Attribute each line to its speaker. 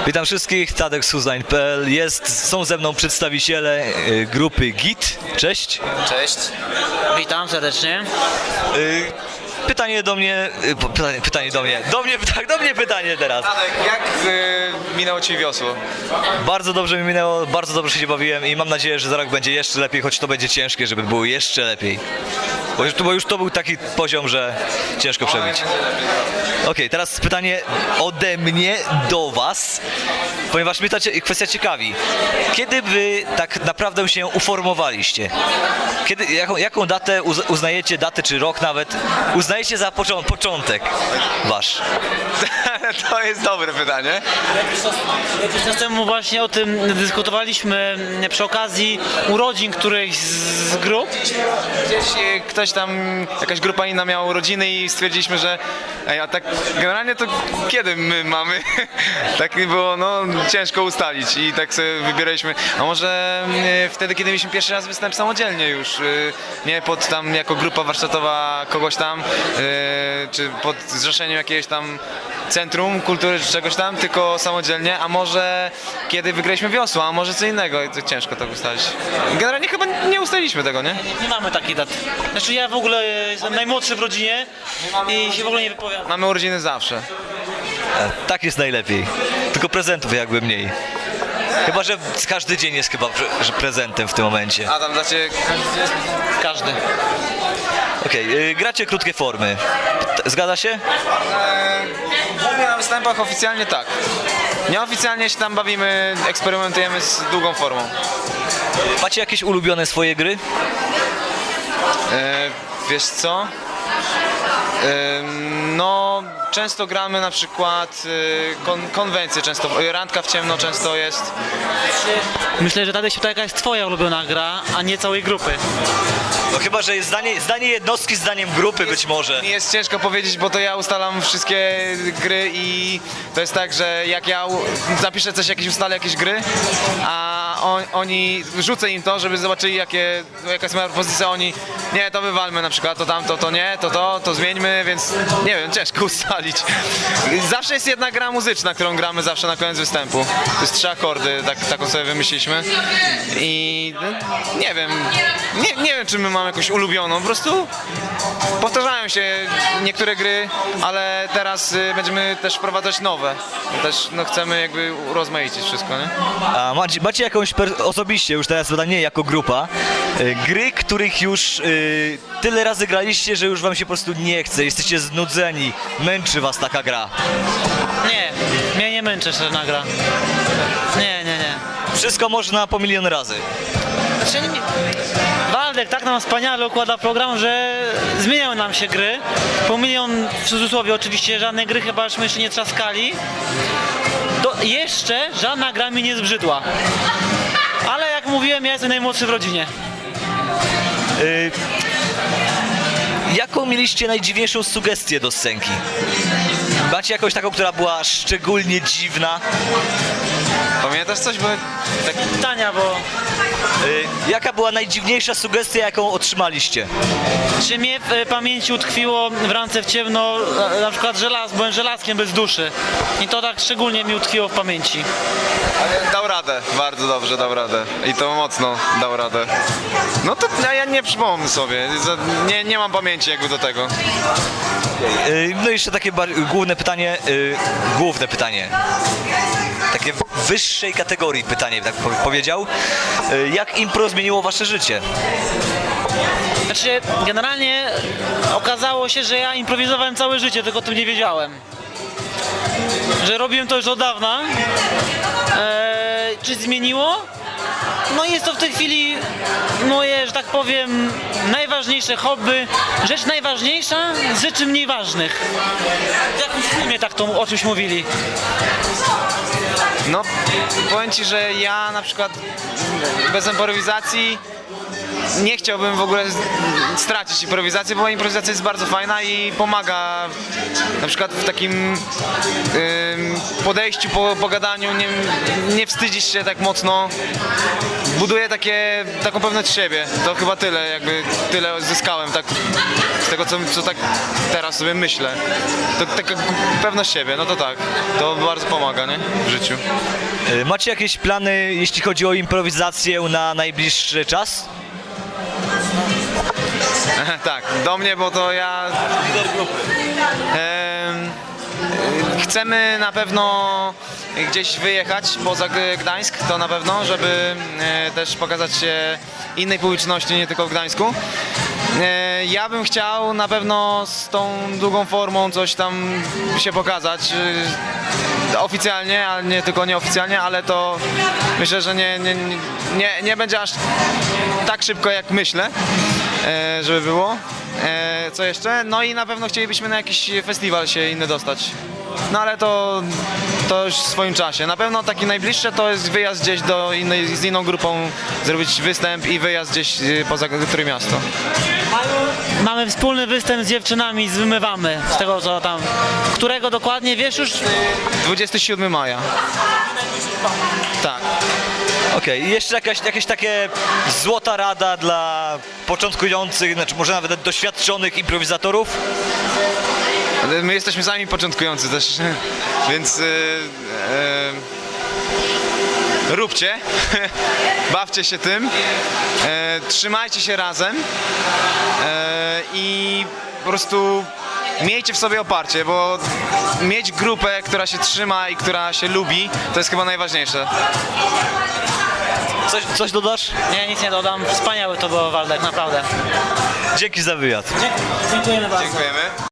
Speaker 1: Witam wszystkich, Tadek z Huzline.pl. Są ze mną przedstawiciele grupy GIT. Cześć.
Speaker 2: Cześć.
Speaker 3: Witam serdecznie.
Speaker 1: Pytanie do mnie, pytanie do mnie. Do mnie pytanie teraz.
Speaker 2: Tadek, jak minęło Ci wiosło?
Speaker 1: Bardzo dobrze mi minęło, bardzo dobrze się bawiłem i mam nadzieję, że za rok będzie jeszcze lepiej, choć to będzie ciężkie, żeby było jeszcze lepiej. Bo już to był taki poziom, że ciężko przebić. Okej, teraz pytanie ode mnie do Was, ponieważ mnie ta kwestia ciekawi. Kiedy Wy tak naprawdę się uformowaliście? Jaką datę uznajecie, datę czy rok nawet, uznajecie za początek Wasz?
Speaker 2: To jest dobre pytanie.
Speaker 3: Jakiś czas temu właśnie o tym dyskutowaliśmy przy okazji urodzin którejś z grup.
Speaker 2: Gdzieś ktoś tam, jakaś grupa inna miała urodziny i stwierdziliśmy, że a tak generalnie to kiedy my mamy? Tak było, no ciężko ustalić i tak sobie wybieraliśmy, a może wtedy, kiedy mieliśmy pierwszy raz występ samodzielnie już, nie pod tam jako grupa warsztatowa kogoś tam, czy pod zrzeszeniem jakiegoś tam centrum kultury czy czegoś tam, tylko samodzielnie, a może kiedy wygraliśmy wiosło, a może co innego i to ciężko tak ustalić. Generalnie chyba nie ustaliliśmy tego, nie?
Speaker 3: Nie mamy takiej daty. Znaczy ja w ogóle jestem najmłodszy w rodzinie i się w ogóle nie wypowiadam.
Speaker 2: Mamy urodziny zawsze.
Speaker 1: Tak jest najlepiej. Tylko prezentów jakby mniej. Chyba, że każdy dzień jest chyba że prezentem w tym momencie.
Speaker 2: A tam dla Ciebie
Speaker 3: Każdy.
Speaker 1: Okej, gracie krótkie formy. Zgadza się?
Speaker 2: głównie na występach oficjalnie tak. Nieoficjalnie się tam bawimy, eksperymentujemy z długą formą.
Speaker 1: Macie jakieś ulubione swoje gry?
Speaker 2: Wiesz co? No, często gramy na przykład konwencje, często randka w ciemno często jest.
Speaker 3: Myślę, że Tadek się pyta, jaka jest twoja ulubiona gra, a nie całej grupy.
Speaker 1: No chyba, że jest zdanie jednostki zdaniem grupy być może.
Speaker 2: Mi jest ciężko powiedzieć, bo to ja ustalam wszystkie gry i to jest tak, że jak ja zapiszę coś, ustalę jakieś gry, a oni, rzucę im to, żeby zobaczyli jaka jest moja propozycja, oni nie, to wywalmy na przykład, to tamto, to nie, to zmieńmy, więc nie wiem, ciężko ustalić. Zawsze jest jedna gra muzyczna, którą gramy zawsze na koniec występu. To jest 3 akordy, taką sobie wymyśliliśmy i no, nie wiem, czy my mamy jakąś ulubioną, po prostu powtarzają się niektóre gry, ale teraz będziemy też wprowadzać nowe. Też no, chcemy jakby urozmaicić wszystko, nie?
Speaker 1: A macie jakąś osobiście, już teraz nie jako grupa, gry, których już tyle razy graliście, że już wam się po prostu nie chce, jesteście znudzeni, męczy was taka gra?
Speaker 3: Nie, mnie nie męczy żadna gra. Nie.
Speaker 1: Wszystko można po milion razy.
Speaker 3: Znaczy, Waldek tak nam wspaniale układa program, że zmieniają nam się gry. Po milion w cudzysłowie oczywiście, żadne gry chyba żeśmy jeszcze nie trzaskali. Jeszcze żadna gra mi nie zbrzydła. Ale jak mówiłem, ja jestem najmłodszy w rodzinie.
Speaker 1: Jaką mieliście najdziwniejszą sugestię do scenki? Macie jakąś taką, która była szczególnie dziwna?
Speaker 2: Pamiętasz coś? Bo tak
Speaker 3: Pytania, bo
Speaker 1: Jaka była najdziwniejsza sugestia, jaką otrzymaliście?
Speaker 3: czy mnie w pamięci utkwiło w randce w ciemno na przykład byłem żelazkiem bez duszy. I to tak szczególnie mi utkwiło w pamięci.
Speaker 2: ale dał radę, bardzo dobrze dał radę i to mocno dał radę. No to ja nie przypomnę sobie, nie mam pamięci jakby do tego.
Speaker 1: No i jeszcze takie główne pytanie. Takie wyższej kategorii pytanie, tak powiedział. Jak impro zmieniło wasze życie?
Speaker 3: Znaczy, generalnie okazało się, że ja improwizowałem całe życie, tylko o tym nie wiedziałem. Że robiłem to już od dawna. Czy zmieniło? No jest to w tej chwili moje, że tak powiem, najważniejsze hobby. Rzecz najważniejsza z rzeczy mniej ważnych. W jakimś filmie tak to o czymś mówili.
Speaker 2: No powiem Ci, że ja na przykład bez improwizacji nie chciałbym w ogóle stracić improwizacji, bo improwizacja jest bardzo fajna i pomaga na przykład w takim podejściu, po gadaniu, nie wstydzisz się tak mocno, buduje taką pewność siebie. To chyba tyle zyskałem tak, z tego, co tak teraz sobie myślę. To taka pewność siebie, no to tak, to bardzo pomaga, nie? W życiu.
Speaker 1: Macie jakieś plany, jeśli chodzi o improwizację na najbliższy czas?
Speaker 2: Tak, do mnie, bo to ja... Chcemy na pewno gdzieś wyjechać poza Gdańsk, to na pewno, żeby też pokazać się innej publiczności, nie tylko w Gdańsku. Ja bym chciał na pewno z tą długą formą coś tam się pokazać oficjalnie, ale nie tylko nieoficjalnie, ale to myślę, że nie będzie aż tak szybko, jak myślę, żeby było. Co jeszcze? No i na pewno chcielibyśmy na jakiś festiwal się inny dostać. No ale to już w swoim czasie. Na pewno taki najbliższy to jest wyjazd gdzieś z inną grupą, zrobić występ i wyjazd gdzieś poza Trójmiasto.
Speaker 3: Mamy wspólny występ z dziewczynami, zmywamy z tego co tam. Którego dokładnie wiesz już?
Speaker 2: 27 maja. Tak.
Speaker 1: Okej, i jeszcze jakaś takie złota rada dla początkujących, znaczy może nawet doświadczonych improwizatorów?
Speaker 2: My jesteśmy sami początkujący też, więc róbcie, bawcie się tym, trzymajcie się razem i po prostu miejcie w sobie oparcie, bo mieć grupę, która się trzyma i która się lubi, to jest chyba najważniejsze.
Speaker 1: Coś dodasz?
Speaker 3: Nie, nic nie dodam. Wspaniały to było, Waldek, naprawdę.
Speaker 1: Dzięki za wywiad.
Speaker 3: Dziękujemy bardzo.
Speaker 2: Dziękujemy.